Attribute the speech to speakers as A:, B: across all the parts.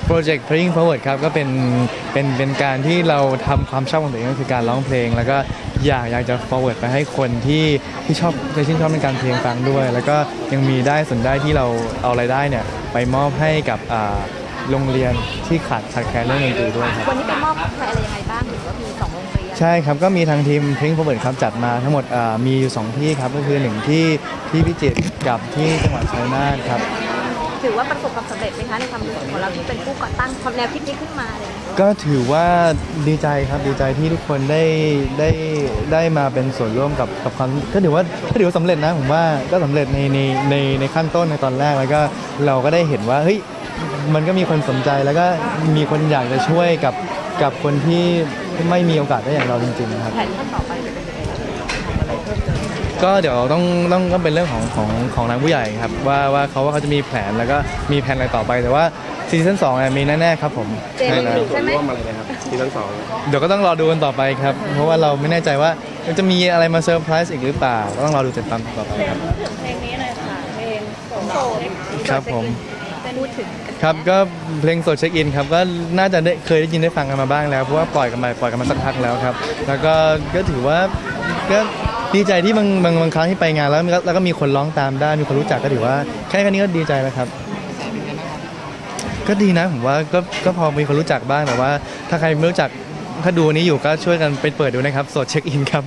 A: โปรเจกต์ Playing Forward ครับก็เป็นการที่เราทำความชอบของตัวเองก็คือการร้องเพลงแล้วก็อยากจะ forward ไปให้คนที่ชอบจะชื่นชอบในการเพลงฟังด้วยแล้วก็ยังมีได้ส่วนได้ที่เราเอารายได้เนี่ยไปมอบให้กับโรงเรียนที่ขาดแคลนเรื่องดนตรีด้วยครับ
B: วันนี้ไปมอบใครอะไรยังไงบ้างหรือว่ามี2โรงเรียน
A: ใช่ครับก็มีทางทีม Playing Forward ครับจัดมาทั้งหมดมีอยู่2ที่ครับก็คือ1ที่พิจิตรกับที่จังหวัดชัยนาทครับ
B: ถือว่าประสบความสำเร็จไหมคะในความรู้สึกของเราที่เป็นผู้ก่อตั้งความแนวคิดนี้ขึ้นมาเลย
A: ก็ถือว่าดีใจครับดีใจที่ทุกคนได้มาเป็นส่วนร่วมกับความก็ถือว่าสำเร็จนะผมว่าก็สำเร็จในขั้นต้นในตอนแรกแล้วก็เราก็ได้เห็นว่าเฮ้ยมันก็มีคนสนใจแล้วก็มีคนอยากจะช่วยกับคนที่ไม่มีโอกาสได้อย่างเราจริงๆนะครับ
B: แผนขั้นต่อไปจะเป็นยังไง
A: ก็เดี๋ยวต้องเป็นเรื่องของทางผู้ใหญ่ครับว่าเขาจะมีแผนแล้วก็มีแผนอะไรต่อไปแต่ว่าซีซั่น2เนี่ยมีแน่ๆครับผม
B: ใช่ไหมร่ว
C: มอะไรนะครับซีซั่น2
A: เดี๋ยวก็ต้องรอดูกันต่อไปครับเพราะว่าเราไม่แน่ใจว่าจะมีอะไรมาเซอร์ไพรส์อีกหรือเปล่าก็ต้องรอดูติดตามต่อไปครับ
B: พูดถึงเพลงนี้หน่อยค่ะเพลงโสด
A: ครับผม
B: พูดถึง
A: ครับก็เพลงโสดเช็คอินครับก็น่าจะเคยได้ยินได้ฟังกันมาบ้างแล้วเพราะว่าปล่อยกันมาสักพักแล้วครับแล้วก็ถือว่าก็ดีใจที่บางครั้งที่ไปงานแล้วก็มีคนร้องตามได้มีคนรู้จักก็ถือว่าแค่นี้ก็ดีใจแล้วครับก็ดีนะผมว่าก็พอมีคนรู้จักบ้างแต่ว่าถ้าใครไม่รู้จักถ้าดูนี้อยู่ก็ช่วยกันไปเปิดดูนะครับโสดเช็คอินครับ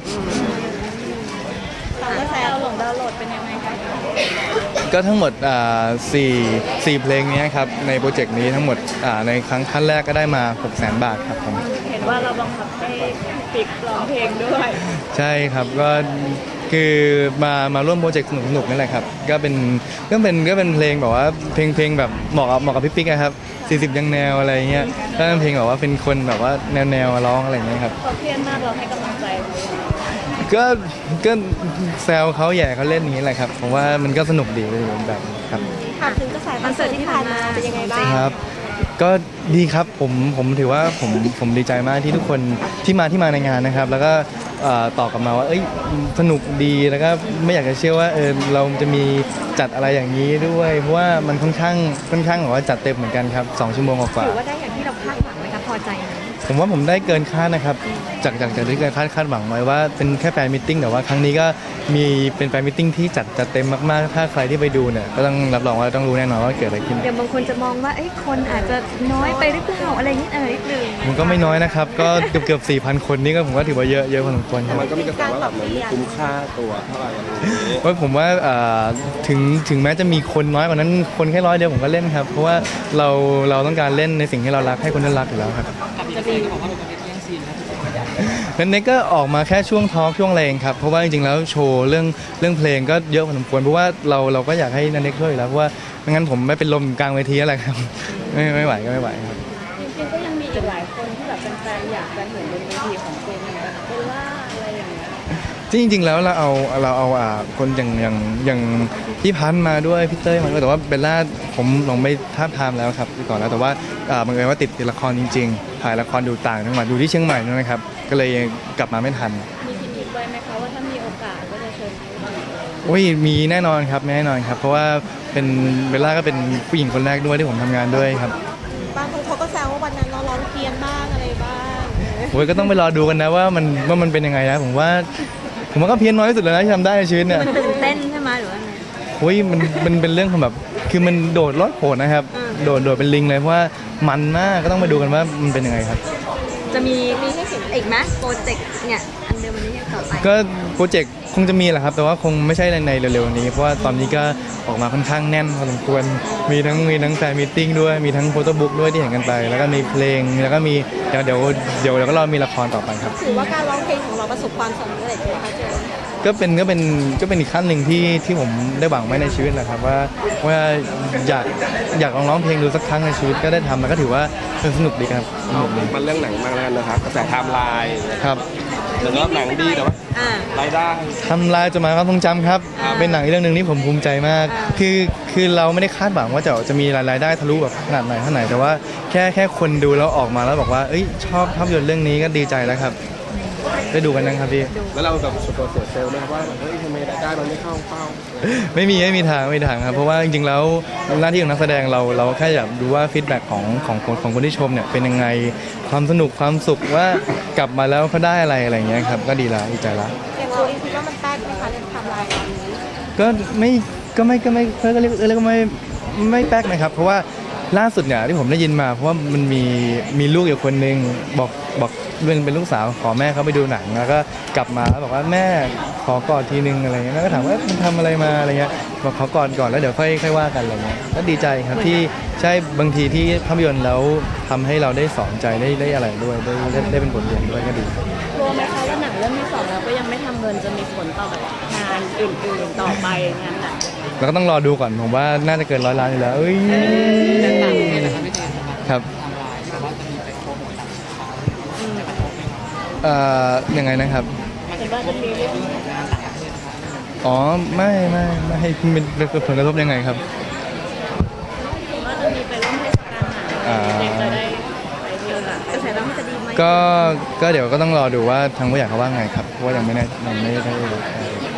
B: แล้วดาวน์โหลดเป็นยังไงคะ
A: ก็ทั้งหมด4เพลงนี้ครับในโปรเจกต์นี้ทั้งหมดในขั้นแรกก็ได้มา 600,000 บาทครับผม
B: เห็นว่าเราบังคับให้ปิกร้องเพลงด้วย
A: ใช่ครับก็คือมาร่วมโปรเจกต์สนุกๆนี่แหละครับก็เป็นเพลงแบบว่าเพลงแบบเหมาะกับพี่ปิ๊กนะครับ40ยังแนวอะไรเงี้ยก็เป็นเพลงแบบว่าเป็นคนแบบว่าแนวร้องอะไรเงี้ยครับ
B: เขาเครียดมากเราให้กำลังใจ
A: ก็แซวเขาแย่เขาเล่นอย่างนี้แหละครับผมว่ามันก็สนุกดีไปแบบครับ
B: ถามถึงกระแสคอนเสิร์ตที่ผ่านมาเป็นยังไงบ้าง
A: ครับก็ดีครับผมถือว่าผมดีใจมากที่ทุกคนที่มาในงานนะครับแล้วก็ตอบกลับมาว่าสนุกดีแล้วก็ไม่อยากจะเชื่อว่าเราจะมีจัดอะไรอย่างนี้ด้วยเพราะว่ามันค่อนข้างแบบว่าจัดเต็มเหมือนกันครับ2 ชั่วโมงกว่า
B: ถือว่าได้อย่างที่เราคาดหวังไหมครับพอใจไหม
A: ผมว่าผมได้เกินคาดนะครับจากที่คาดหวังไว้ว่าเป็นแค่แฟนมิทติ้งแต่ว่าครั้งนี้ก็มีเป็นแฟนมิทติ้งที่จัดเต็มมากๆถ้าใครที่ไปดูเนี่ยก็ต้องรับรองว่าต้องรู้แน่นอนว่าเกิดอะไรขึ้น
B: อย่างบางคนจะมองว่าคนอาจจะน้อยไปหรือเปล่าอะไรนิดนึง
A: มันก็ไม่น้อยนะครับก็เกือบ 4,000 คนนี่ก็ผมว่าถือว่าเยอะพอสมควรครับ
C: มันก็มีกระแสว่าแบบมันคุ้มค่าตัวเท่าไหร่อะไรอย่างนี้
A: ว่าผมว่าถึงแม้จะมีคนน้อยกว่านั้นคนแค่100 เดียวผมก็เล่นครับเพราะว่าเราต้องการเล่นในสิ่งที่เรารักให้คนนั้นรักอยู่แล้วครับนั้นเน็กก็ออกมาแค่ช่วงทอล์กช่วงแรงครับเพราะว่าจริงๆแล้วโชว์เรื่องเพลงก็เยอะพอสมควรเพราะว่าเราก็อยากให้นันเน็กช่วยอยู่แล้วเพราะว่าไม่งั้นผมไม่เป็นลมกลางเวทีอะไรครับไม่ไหวก็ไม่ไหวครับ
B: จริงๆก็ยังมีอีกหลายคนที่แบบแฟนๆอยากจะเห็นบนเวทีของเจนนะเบลล่าอะไรอย่างเงี้ย
A: จริงๆแล้วเราเอาคนอย่างพี่พันธ์มาด้วยพี่เต้ยมาด้วยแต่ว่าเบลล่าผมลงไปท้าทามแล้วครับก่อนแล้วแต่ว่าบังเอิญว่าติดละครจริงๆถ่ายละครดูต่างจังหวัดดูที่เชียงใหม่นะครับก็เลยกลับมาไม่ทัน
B: มีคิดอีกไว้ไหมคะว่าถ้ามีโอกาสก็จะเชิญ
A: มีแน่นอนครับแน่นอนครับเพราะว่าเป็นเบลล่าก็เป็นผู้หญิงคนแรกด้วยที่ผมทำงานด้วยครับ
B: บางคนเขาก็แซวว่าวันนั้นเราร้องเพี้ยนบ้างอะไรบ้าง
A: ก็ต้องไปรอดูกันนะว่ามันเป็นยังไงนะผมว่าก็เพี้ยนน้อยที่สุดแล้วนะที่ทำได้ในชีวิตเนี่ย
B: มันตื่นเต้นใช่ไหมหรือว่าไง
A: มันเป็นเรื่องของแบบคือมันโดดรอดโผล่นะครับโดดเป็นลิงเลยเพราะว่ามันมากก็ต้องมาดูกันว่ามันเป็นยังไงครับ
B: จะมีให้เห็นอีกไหมโปรเจกต์เนี่ยอันเดิมวันนี้ต่อไป
A: ก็โปรเจกต์คงจะมีแหละครับแต่ว่าคงไม่ใช่ในเร็วๆนี้เพราะว่าตอนนี้ก็ออกมาค่อนข้างแน่นพอสมควรมีทั้งแฟนมีตติ้งด้วยมีทั้งโฟโต้บุ๊กด้วยที่เห็นกันไปแล้วก็มีเพลงแล้วก็มีเดี๋ยวก็รอมีละครต่อไปครับ
B: ถือว่าการร้องเพลงของเราประสบความสำเร็จไหมคะเจน
A: ก็เป็นอีกขั้นหนึ่งที่ผมได้หวังไว้ในชีวิตแหละครับว่าอยากลองร้องเพลงดูสักครั้งในชีวิตก็ได้ทำแล้วก็ถือว่าสนุกดีครับ
C: มันเรื่องหนังมากแล้วนะครับกระแสไทม์ไลน์
A: ครับ
C: หรือว่าหนังดีแต่ว่ารายได้
A: ทำลายจดหมายความทรงจำครับเป็นหนังเรื่องนึงที่ผมภูมิใจมากคือเราไม่ได้คาดหวังว่าจะมีรายได้ทะลุแบบขนาดไหนแต่ว่าแค่คนดูแล้วออกมาแล้วบอกว่าชอบภาพยนตร์เรื่องนี้ก็ดีใจแล้วครับได้ดูกันนะครับพี่
C: แล้วเราแบบส่วนตัวเสียเซลล์ไหมครับว่าเฮ้ยทำไมรายได้มันไม่เข้าเป้า
A: ไม่มีทางครับเพราะว่าจริงๆแล้วหน้าที่ของนักแสดงเราแค่อยากดูว่าฟีดแบ็กของคนที่ชมเนี่ยเป็นยังไงความสนุกความสุขว่ากลับมาแล้วเขาได้อะไรอย่างเงี้ยครับก็ดีละดีใจละ
B: อย่างเราเองคิดว่ามันแป๊กไหมคะในไทม์ไลน์ตอนนี้
A: ก็เรียกว่าไม่แป๊กนะครับเพราะว่าล่าสุดเนี่ยที่ผมได้ยินมาเพราะว่ามันมีลูกอยู่คนนึงบอกเป็นลูกสาวขอแม่เขาไปดูหนังแล้วก็กลับมาแล้วบอกว่าแม่ขอกอดทีนึงอะไรเงี้ยแม่ก็ถามว่ามันทำอะไรมาอะไรเงี้ยบอกขอกอดก่อนแล้วเดี๋ยวค่อยว่ากันอะไรเงี้ยก็ดีใจครับที่ใช่บางทีที่ภาพยนตร์แล้วทำให้เราได้สอนใจได้อะไรด้วยได้เป็นบทเรียนด้วยก็ดี
B: กลัวไหมคะว่าหนังเรื่องที่สองแล้วก็ยังไม่ทำเงินจะมีผลต่อแบบงานอื่นๆต่อไปงานหนัง
A: เราก็ต้องรอดูก่อนผมว่าน่าจะเกิน100 ล้านอยู่แล้วเอ้ยครับยังไงนะครับ
B: เห็นว่าจะมีเรื่อง
A: อ๋อไม่เป็นผลกระทบยังไงครับ
B: ว่าจะมีไปร่วมเทศกาลหนังเด็กจะได้ไปเที่ยวหนังกระแสน้ำมันจะดีไหม
A: ก็เดี๋ยวก็ต้องรอดูว่าทางผู้ใหญ่เขาว่าไงครับเพราะว่ายังไม่ได้